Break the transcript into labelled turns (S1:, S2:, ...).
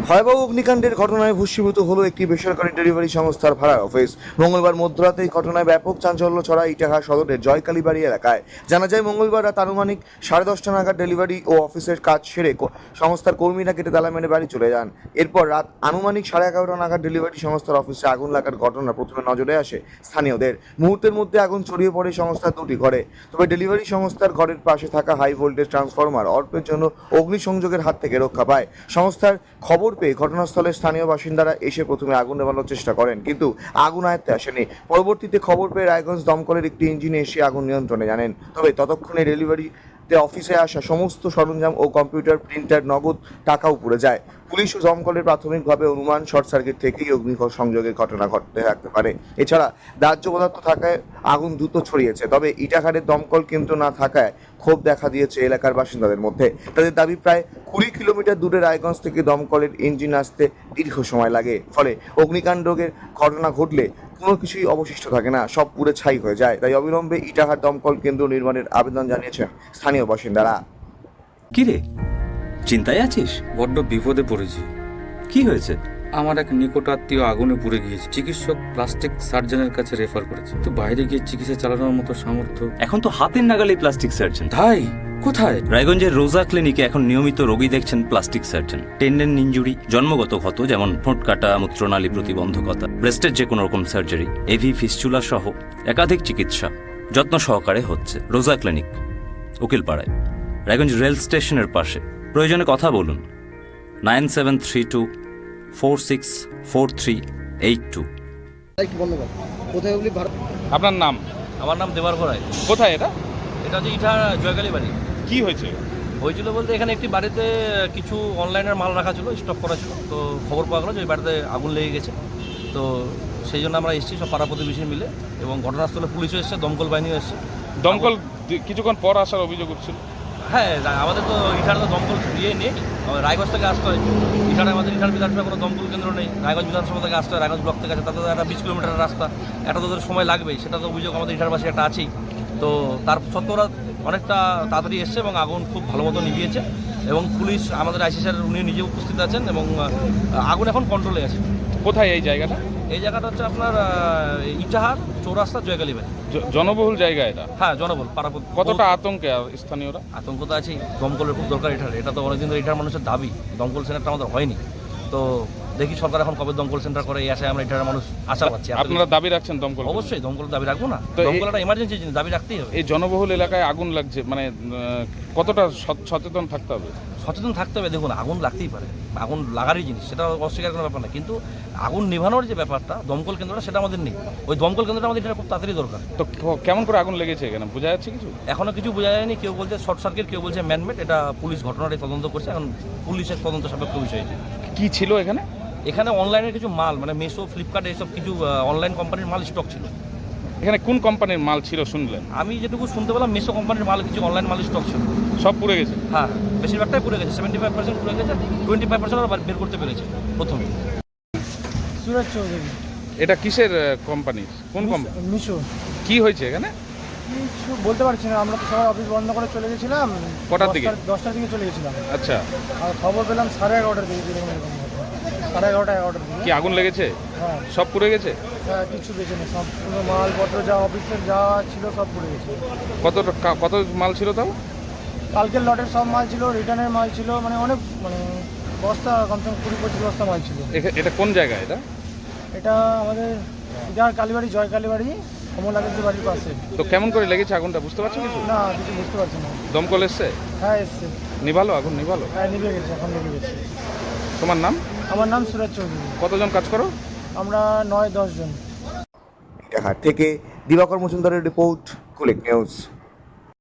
S1: ভয়াবহ অগ্নিকাণ্ডের ঘটনায় ভস্মীভূত হলো একটি বেসরকারি ডেলিভারি সংস্থার ভাড়ার অফিস। মঙ্গলবার মধ্যরাতে এই ঘটনায় ব্যাপক চাঞ্চল্য ছড়ায় ইটাহার সদরের জয়কালীবাড়ি এলাকায়। জানা যায়, মঙ্গলবার রাত আনুমানিক 10:30টা নাগাদ ডেলিভারি ও অফিসের কাজ সেরে সংস্থার কর্মীরা কেটে তালা মেরে বাড়ি চলে যান। এরপর রাত আনুমানিক 11:30টা নাগাদ ডেলিভারি সংস্থার অফিসে আগুন লাগার ঘটনা প্রথমে নজরে আসে স্থানীয়দের। মুহূর্তের মধ্যে আগুন ছড়িয়ে পড়ে সংস্থার দুটি ঘরে। তবে ডেলিভারি সংস্থার ঘরের পাশে থাকা হাই ভোল্টেজ ট্রান্সফরমার অল্পের জন্য অগ্নিসংযোগের হাত থেকে রক্ষা পায়। সংস্থার খবর পেয়ে ঘটনাস্থলে স্থানীয় বাসিন্দারা এসে প্রথমে আগুন নেভানোর চেষ্টা করেন, কিন্তু আগুন আয়ত্তে আসেনি। পরবর্তীতে খবর পেয়ে রায়গঞ্জ দমকলের একটি ইঞ্জিনে এসে আগুন নিয়ন্ত্রণে জানেন। তবে ততক্ষণে ডেলিভারিতে অফিসে আসা সমস্ত সরঞ্জাম ও কম্পিউটার, প্রিন্টার, নগদ টাকাও পুড়ে যায়। পুলিশ ও দমকলের প্রাথমিকভাবে অনুমান শর্ট সার্কিট থেকেই অগ্নিসংযোগের ঘটনা ঘটতে থাকতে পারে। এছাড়া দাহ্য পদার্থ থাকায় আগুন দ্রুত ছড়িয়েছে। তবে ইটাহারের দমকল কেন্দ্র না থাকায় ক্ষোভ দেখা দিয়েছে এলাকার বাসিন্দাদের মধ্যে। তাদের দাবি, প্রায় 20 কিলোমিটার দূরে রায়গঞ্জ থেকে দমকলের ইঞ্জিন আসতে দীর্ঘ সময় লাগে। ফলে অগ্নিকাণ্ডের ঘটনা ঘটলে কোনো কিছুই অবশিষ্ট থাকে না, সব পুড়ে ছাই হয়ে যায়। তাই অবিলম্বে ইটাহার দমকল কেন্দ্র নির্মাণের আবেদন জানিয়েছেন স্থানীয় বাসিন্দারা।
S2: কিরে, চিন্তায় আছিস?
S3: বড্ড বিপদে পড়েছি।
S2: কি হয়েছে?
S3: আমার এক নিকট আত্মীয় আগুনে পুড়ে গিয়েছে। চিকিৎসক প্লাস্টিক সার্জনের কাছে রেফার করেছে, তো বাইরে গিয়ে চিকিৎসা চালানোর মতো সামর্থ্য।
S2: এখন তো হাতের নাগালে প্লাস্টিক সার্জন।
S3: তাই? কোথায়?
S2: রায়গঞ্জের রোজা ক্লিনিকে এখন নিয়মিত রোগী দেখছেন প্লাস্টিক সার্জন। টেন্ডেন ইনজুরি, জন্মগত ক্ষত যেমন ঠোঁট কাটা, মূত্রনালী প্রতিবন্ধকতা, ব্রেস্টের যে কোনো রকম সার্জারি, এভি ফিস্চুলা সহ একাধিক চিকিৎসা যত্ন সহকারে হচ্ছে রোজা ক্লিনিক, উকিলপাড়ায়, রায়গঞ্জ রেল স্টেশনের পাশে। প্রয়োজনে কথা বলুন 9732464382।
S4: আপনার নাম?
S5: আমার নাম দেবার ঘরাই।
S4: কোথায় এটা?
S5: এটা হচ্ছে ইটার জয়কালী বাড়ি।
S4: কি হয়েছে?
S5: হয়েছিল বলতে এখানে একটি বাড়িতে কিছু অনলাইনের মাল রাখা ছিল, স্টক করা ছিল। তো খবর পাওয়া গেলো যে ওই বাড়িতে আগুন লেগে গেছে। তো সেই জন্য আমরা এসেছি সব পাড়া প্রতিবেশী মিলে, এবং ঘটনাস্থলে পুলিশও এসছে, দমকল বাহিনীও এসছে।
S4: দমকল কিছুক্ষণ পর আসার অভিযোগ উঠছিল।
S5: হ্যাঁ, আমাদের তো ইটার তো দমকল ইয়ে নেই, রায়গঞ্জ থেকে আসতে হয়। ইটারে আমাদের ইটার বিধানসভা কোনো দমকল কেন্দ্র নেই, রায়গঞ্জ বিধানসভা থেকে আসতে হয়, রায়গঞ্জ ব্লক থেকে আছে। তাতে একটা 20 কিলোমিটার রাস্তা, এটা তো ওদের সময় লাগবেই, সেটা তো অভিযোগ আমাদের ইটারবাসী একটা আছেই। তো তার সত্ত্বেও ওরা অনেকটা তাড়াতাড়ি এসছে এবং আগুন খুব ভালো মতো নিভিয়েছে। এবং পুলিশ, আমাদের আইসি স্যার, উনি নিজে উপস্থিত আছেন, এবং আগুন এখন কন্ট্রোলে আছে।
S4: কোথায় এই জায়গাটা?
S5: এই জায়গাটা হচ্ছে আপনার ইটাহার চৌরাস্তা জয়কালী বাড়ি।
S4: জনবহুল জায়গা এটা?
S5: হ্যাঁ, জনবল পাড়া।
S4: কতটা আতঙ্কে স্থানীয়রা?
S5: আতঙ্ক তো আছেই, দমকলের খুব দরকার এটার। এটা তো অনেকদিন ধরে এটার মানুষের দাবি, দমকল সেন্টারটা আমাদের হয়নি। তো দেখি সরকার এখন কবে দমকল সেন্টার করে, এই আশায় আমরা এটার মানুষ আশা পাচ্ছি।
S4: আপনারা দাবি রাখছেন দমকল?
S5: অবশ্যই দমকল দাবি রাখবো না, দমকল একটা এমার্জেন্সি জিনিস, দাবি রাখতেই হবে।
S4: এই জনবহুল এলাকায় আগুন লাগছে, মানে কতটা সচেতন থাকতে হবে?
S5: সচেতন থাকতে হবে। দেখুন, আগুন লাগতেই পারে, আগুন লাগারই জিনিস, সেটা অস্বীকার কোনো ব্যাপার না। কিন্তু আগুন নেভানোর যে ব্যাপারটা, দমকল কেন্দ্রটা, সেটা আমাদের নেই। ওই দমকল কেন্দ্রটা আমাদের এটা খুব তাড়াতাড়ি দরকার।
S4: তো কেমন করে আগুন লেগেছে এখানে, বোঝা যাচ্ছে কিছু?
S5: এখনও কিছু বোঝা যায়নি। কেউ বলছে শর্ট সার্কিট, কেউ বলছে ম্যানমেড। এটা পুলিশ ঘটনাটাই তদন্ত করছে, এখন পুলিশের তদন্ত সাপেক্ষ বিষয়।
S4: কি ছিল এখানে?
S5: এখানে অনলাইনের কিছু মাল, মানে মেসো, ফ্লিপকার্ট, এইসব কিছু অনলাইন কোম্পানির মাল স্টক ছিল।
S4: এখানে কোন কোম্পানির মাল ছিল শুনলেন?
S5: আমি যেটুকু শুনতে পেলাম, মেসো কোম্পানির মাল, কিছু অনলাইন মাল স্টক ছিল।
S4: সব পুড়ে গেছে?
S5: হ্যাঁ, বেশিরভাগটাই পুড়ে গেছে। 75% পুড়ে গেছে, 25% ওরা বের করতে পেরেছে প্রথমে।
S6: সুরজ চৌধুরী।
S4: এটা কিসের কোম্পানি? কোন কোম্পানি?
S6: মিশো।
S4: কি হয়েছে এখানে?
S6: কিছু বলতে পারছি না, আমরা তো সবাই অফিস বন্ধ করে চলে গেছিলাম।
S4: কটার দিকে?
S6: 10টার দিকে চলে গেছিলাম।
S4: আচ্ছা।
S6: আর খবর পেলাম 11:30টার দিকে, 11:30 দিকে।
S4: কি আগুন লেগেছে?
S6: হ্যাঁ।
S4: সব পুড়ে গেছে?
S6: হ্যাঁ, কিছু বেঁচে নেই, সব পুরো মালপত্র যা অফিসের যা ছিল সব পুড়ে গেছে।
S4: কত মাল ছিল তাও?
S6: কালকের লটের সব মাল ছিল, রিটার্নের মাল ছিল, মানে অনেক, মানে বস্তা কমসে কম 20-25 বস্তা মাল ছিল।
S4: এটা কোন জায়গা?
S6: এটা আমাদের কালীবাড়ি, জয়কালীবাড়ি, কমলাগঞ্জের বাড়ির পাশে।
S4: তো কেমন করে লেগেছে আগুনটা, বুঝতে পারছো কিছু?
S6: না, কিছু বুঝতে পারছি না।
S4: দমকল এসছে?
S6: হ্যাঁ, এসছে।
S4: নিভালো? আগুন নিভালো?
S6: হ্যাঁ, নিভে গেছে, এখন নিভে গেছে।
S4: তোমার নাম?
S6: আমার নাম সুরজ চৌধুরী।
S4: কতজন কাজ করো?
S6: আমরা 9-10 জন।
S1: ইটাহার থেকে দিবাকর মজুমদারের রিপোর্ট, কুলিক নিউজ।